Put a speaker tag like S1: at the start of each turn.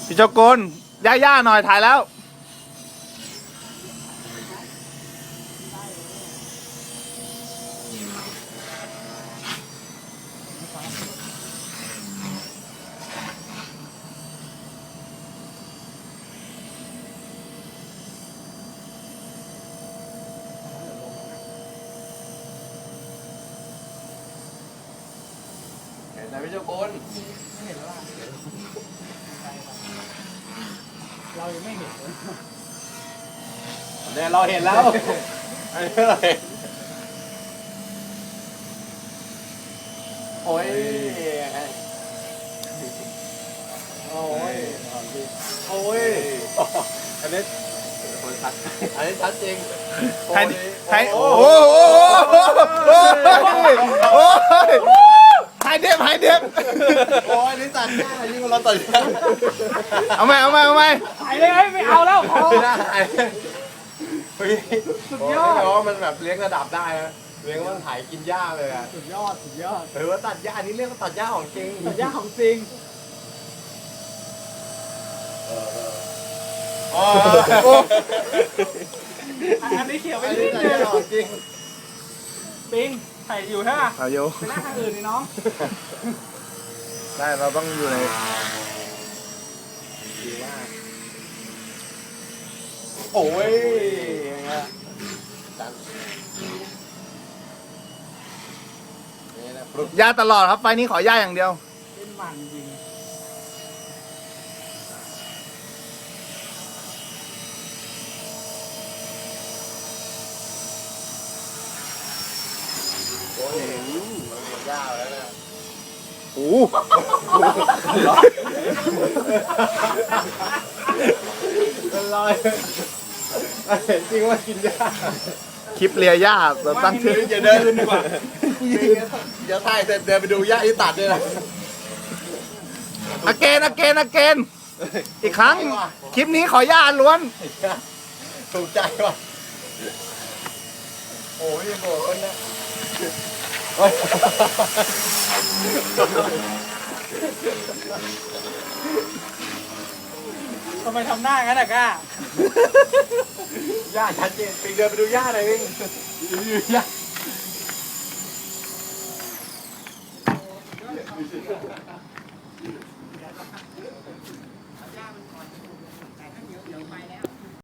S1: พี่เจ้าโกนย่าหน่อยถ่ายแล้ว
S2: เห็นไหมพี่เจ้าโกน
S3: ไม่เห็นแล้วล่ะเรายังไม่เห็นเลย
S2: เนี่ยเราเห็นแล้วอันนี้เราเห็นโอ้ยโอ้ยโอ้ยอันนี้คนชัดอันนี้ชัดจริง
S1: ให้โอ้โหให้เด็บ
S2: โอ้ยนี่ตัดหน้ายิ่งกว่าเราตัดหน้า
S1: เอาไหม
S3: ถ่ายเลยไม่เอาแล้วพอ
S2: ไม่ได้เฮ้ย
S3: สุดยอด
S2: แต่ว่ามันแบบเลี้ยงระดับได้นะเลี้ยงมันถ่ายกินหญ้าเลยอ่ะ
S3: สุดยอด
S2: หรือว่าตัดหญ้านี่เรียกว่าตัดหญ้าของจริง
S3: สุดยอดของจริง
S2: อ๋อ
S3: อันนี้เขียวไป
S2: อัน
S3: นิ
S2: นี้
S3: ด
S2: ตัด
S3: นึ
S2: หญ้าง ของจริง
S3: ปิงถ่ายอยู่ใช่ไหม
S1: เอาอยู่
S3: ไปหน้าทางอื่นนี่น้อง
S1: ได้เราต้องอยู่ใน
S2: ดีมากโอ้ยอย่างเงี้ยดันนี่นะปลุก
S1: ย่าตลอดครับไฟนี้ขอย่าอย่างเดียว
S3: เล่นมันจริง
S2: โอ้ยมันหมดหญ้าแล้วนะ
S1: โอ้โห
S2: เป็นรอยเห็นจริงว่ากินหญ้า
S1: คลิปเลียย่าเราตั้งชื่อ
S2: อย่าเดินดีกว่าเดี๋ยวถ่ายเสร็จเดินไปดูหญ้าที่ตัดด้วยนะ
S1: อเกนอีกครั้ง คลิปนี้ขอย่าล้วน
S2: ถูกใจว่ะโอ้ยโบกคนนะโอ้ย
S3: ทำไมทำหน้างั้นอะก้า
S2: หญ้าชัดเจนปิงเดินไปดูหญ้าหน่อยปิงดูหญ้า